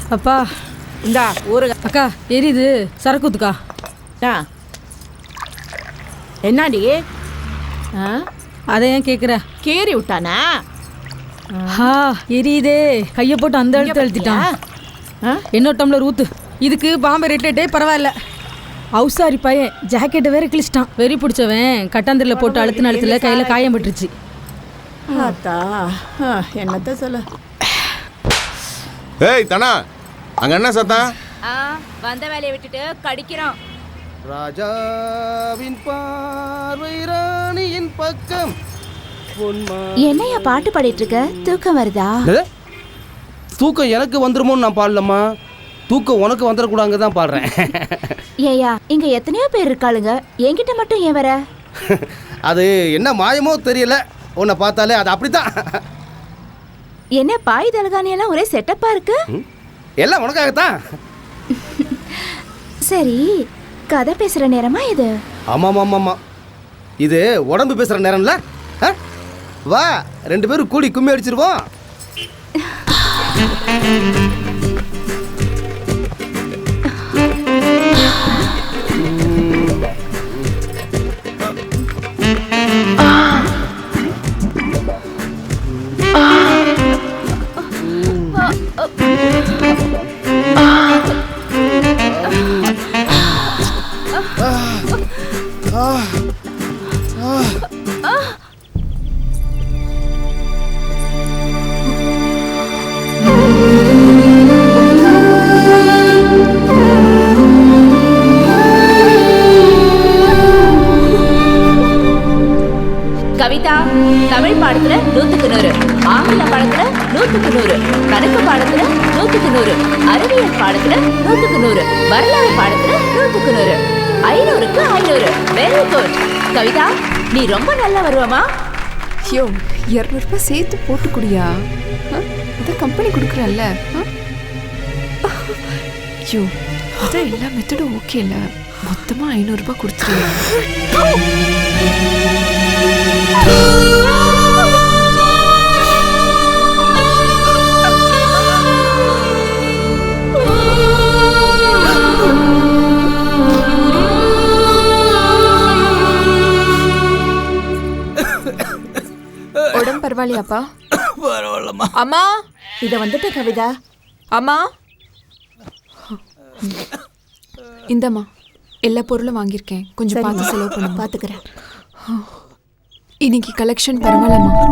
அப்பா இந்தா ஊருக. அக்கா எரியுது, சரக்கு ஊத்துக்கா. என்னாடி அதை ஏன் கேட்குற? கீறி விட்டானா? எரியுதே, கையை போட்டு அந்த இடத்துல அழுத்திட்டான். இன்னொரு டம்ளர் ஊத்து. இதுக்கு பாம்பே ரேட்டே பரவாயில்ல. அவுசாரி பையன் ஜாக்கெட்டை வேற கிழிச்சிட்டான். வெறி பிடிச்சவன் கட்டாந்திரில் போட்டு அழுத்தின அழுத்துல கையில் காயம் பட்டுருச்சு. என்னத்த சொல்ல. ஏய் தனா, அங்க என்ன சத்தம்? வந்த வேலையை விட்டுட்டு கடிக்கிறோம். ராஜாவின் பார்வை ராணியின் பக்கம். என்னையா பாட்டு பாடிட்டு இருக்க? தூக்கம் வருதா? தூக்கம் எனக்கு வந்துருமோன்னு நான் பாடலம்மா, தூக்கம் உனக்கு வந்துடக்கூடாங்க தான் பாடுறேன். ஏயா இங்க எத்தனையோ பேர் இருக்காளுங்க, என்கிட்ட மட்டும் ஏன் வர? அது என்ன மாயமோ தெரியல, உன்னை பார்த்தாலே அது அப்படித்தான். என்ன பாய் தலகாணியெல்லாம் ஒரே செட்டப்பா இருக்கு? எல்லாம் உனக்காகத்தான். சரி, கதை பேசுற நேரமா இது? ஆமாம் ஆமாம் ஆமாம், இது உடம்பு பேசுகிற நேரம்ல. வா, 2 பேரும் கூடி கும்மி அடிச்சிருவோம். கவிதா, தமிழ் பாடத்துல 100க்கு 100, ஆங்கில பாடத்துல 100க்கு 100, கணக்கு பாடத்துல 100க்கு 100, அறிவியல் பாடத்துல 100க்கு 100, வரலாறு பாடத்துல 100க்கு 100, 500க்கு 500. வெரி குட் கவிதா, நீ ரொம்ப நல்லா வருவமா. ஐயோ, 200 ரூபாய் சேர்த்து போட்டு குடியா, அதான் கம்பெனி கொடுக்குறல்ல. ஐயோ, அதான் எல்லா மெத்தடும் ஓகே இல்லை, மொத்தமாக 500 ரூபாய் கொடுத்துருவா. உடம்பு பரவாயில்லையாப்பா? பரவாயில்லம்மா. அம்மா, இதை வந்துட்டு கவிதா. அம்மா இந்தம்மா, எல்லா பொருளும் வாங்கியிருக்கேன், கொஞ்சம் பார்த்து செலவு பண்ண. பார்த்துக்கிறேன். இன்னைக்கு கலெக்ஷன் பரவாயில்லம்மா.